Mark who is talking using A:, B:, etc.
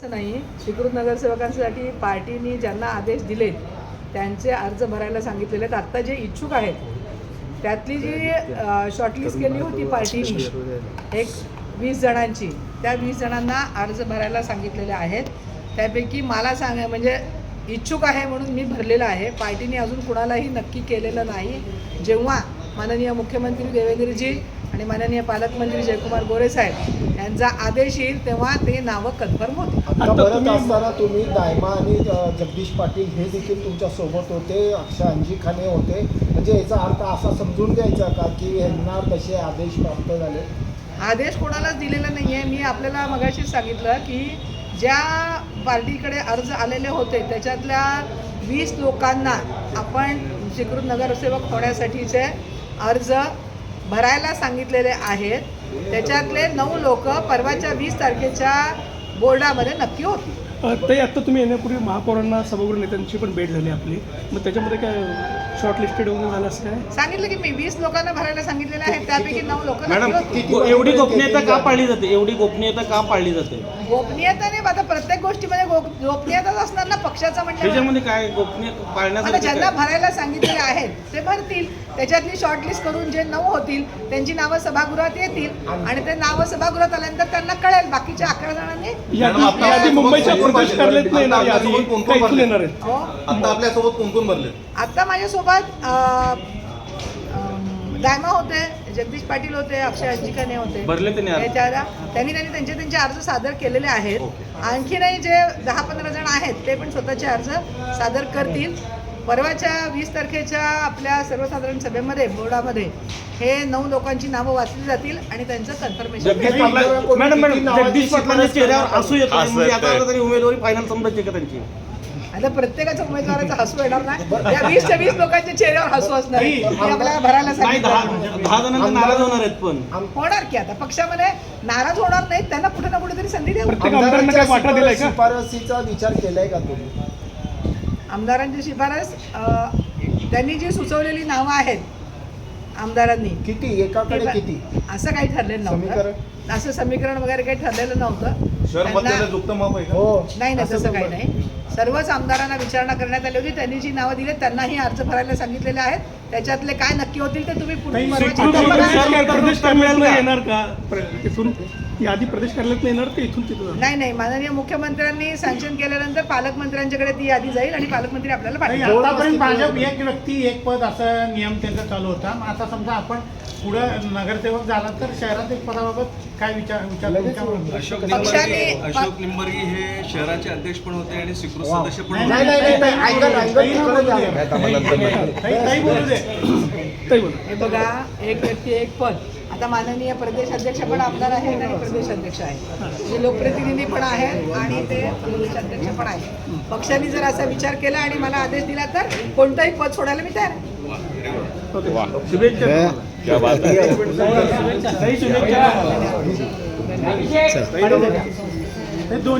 A: असं नाही, स्वीकृत नगरसेवकांसाठी पार्टीने ज्यांना आदेश दिलेत त्यांचे अर्ज भरायला सांगितलेले आहेत. आत्ता जे इच्छुक आहेत त्यातली जी शॉर्टलिस्ट केली होती पार्टीने एक 20 जणांची, त्या 20 जणांना अर्ज भरायला सांगितलेले आहेत. त्यापैकी मला म्हणजे इच्छुक आहे म्हणून मी भरलेलं आहे. पार्टीने अजून कुणालाही नक्की केलेलं नाही. जेव्हा माननीय मुख्यमंत्री देवेंद्रजी आणि माननीय पालकमंत्री जयकुमार गोरे साहेब यांचा आदेश येईल तेव्हा ते नावं कन्फर्म होतील.
B: आता परत असताना तुम्ही दायमा आणि जगदीश पाटील हे देखील तुमच्या सोबत होते, अक्षय अंजिखाने होते, म्हणजे याचा अर्थ असा समजून घ्यायचा का की यांना तसे आदेश प्राप्त झाले?
A: आदेश कोणालाच दिलेला नाही आहे. मी आपल्याला मगाशीच सांगितलं की ज्या पार्टीकडे अर्ज आलेले होते त्याच्यातल्या 20 लोकांना आपण स्वीकृत नगरसेवक होण्यासाठीचे अर्ज भरायला सांगितलेले आहेत. त्याच्यातले 9 लोक परवाच्या 20 तारखेच्या बोर्डामध्ये नक्की होती.
C: ते आत्ता तुम्ही येण्यापूर्वी महापौरांना सभागृह नेत्यांची पण भेट झाली आपली, मग त्याच्यामध्ये काय शॉर्ट लिस्टेड वगैरे झालं असं काय?
A: सांगितलं की मी 20 लोकांना भरायला सांगितलेले आहेत, त्यापैकी 9 लोक
D: मॅडम एवढी गोपनीयता का पाळली जाते? एवढी गोपनीयता का पाळली जाते?
A: गोपनीयता नाही, आता प्रत्येक गोष्टीमध्ये गोपनीयताच असणार ना पक्षाचं. म्हणजे
D: त्याच्यामध्ये काय गोपनीयता पाळण्यासाठी
A: ज्यांना भरायला सांगितलेले आहेत ते भरतील. त्याच्यातली शॉर्टलिस्ट करून जे 9 होतील त्यांची नावं सभागृहात येतील आणि ते नावं सभागृहात आल्यानंतर त्यांना कळेल. बाकीच्या 11 जणांनी
C: मुंबईच्या प्रदेश कार्यालयात येणार आहेत.
E: आता आपल्यासोबत कोण कोण भरले?
A: आता माझ्यासोबत दायमा होते, जगदीश पाटील होते, अक्षय अंजिखाने होते.
D: भरले
A: त्यांनी त्यांचे अर्ज सादर केलेले आहेत. आणखीनही जे 10-15 जण आहेत ते पण स्वतःचे अर्ज सादर करतील. परवाच्या 20 तारखेच्या आपल्या सर्वसाधारण सभेमध्ये बोर्डामध्ये हे 9 लोकांची नावं वाचली जातील आणि त्यांचं कन्फर्मेशन.
D: मॅडम जगदीश पाटलांच्या चेहऱ्यावर हसू येत नाही, उमेदवारी फायनल समजायची का त्यांची?
A: आता प्रत्येकाच्या उमेदवाराचा हसू येणार नाही. या 20च्या 20 लोकांच्या चेहऱ्यावर हसू असणार आहे. आपल्याला भरायला सांगितलं
D: 10 जणांना नाराज होणार आहेत. पण
A: होणार की आता पक्षामध्ये नाराज होणार नाहीत, त्यांना कुठे ना कुठेतरी संधी देऊ.
B: शिफारसीचा विचार केलाय का तुम्ही?
A: आमदारांची शिफारस त्यांनी जी सुचवलेली नावं आहेत आमदारांनी,
B: किती एकाकडे किती
A: असं काही ठरलेलं नव्हतं. असं समीकरण वगैरे काही ठरलेलं नव्हतं. नाही तसं काही नाही. सर्वच आमदारांना विचारणा करण्यात आली होती. त्यांनी जी नावं दिली त्यांनाही अर्ज भरायला सांगितलेले आहेत. त्याच्यातले काय नक्की होतील ते तुम्ही
C: प्रदेश कार्यालयात येणार का? यादी प्रदेश कार्यालयात येणार ते इथून तिथून?
A: नाही, माननीय मुख्यमंत्र्यांनी सँक्शन केल्यानंतर पालकमंत्र्यांच्याकडे ती यादी जाईल आणि पालकमंत्री आपल्याला पाठवतील.
F: आतापर्यंत भाजप एक व्यक्ती एक पद असा नियम त्यांचा चालू होता. मग आता समजा आपण पुढे नगरसेवक झाला तर शहरात एक पदाबाबत काय विचार
E: अशोक निंबर्गी हे शहराचे अध्यक्ष पण होते आणि स्वीकृत सदस्य पण
A: हे बघा, एक व्यक्ती एक पद. आता माननीय प्रदेश अध्यक्ष पण आमदार आहेत आणि प्रदेश अध्यक्ष आहेत, जे लोकप्रतिनिधी पण आहेत आणि ते प्रदेश अध्यक्ष पण आहेत. पक्षाने जर असा विचार केला आणि मला आदेश दिला तर कोणतंही पद सोडायला मी तयार आहे.
D: शुभेच्छा.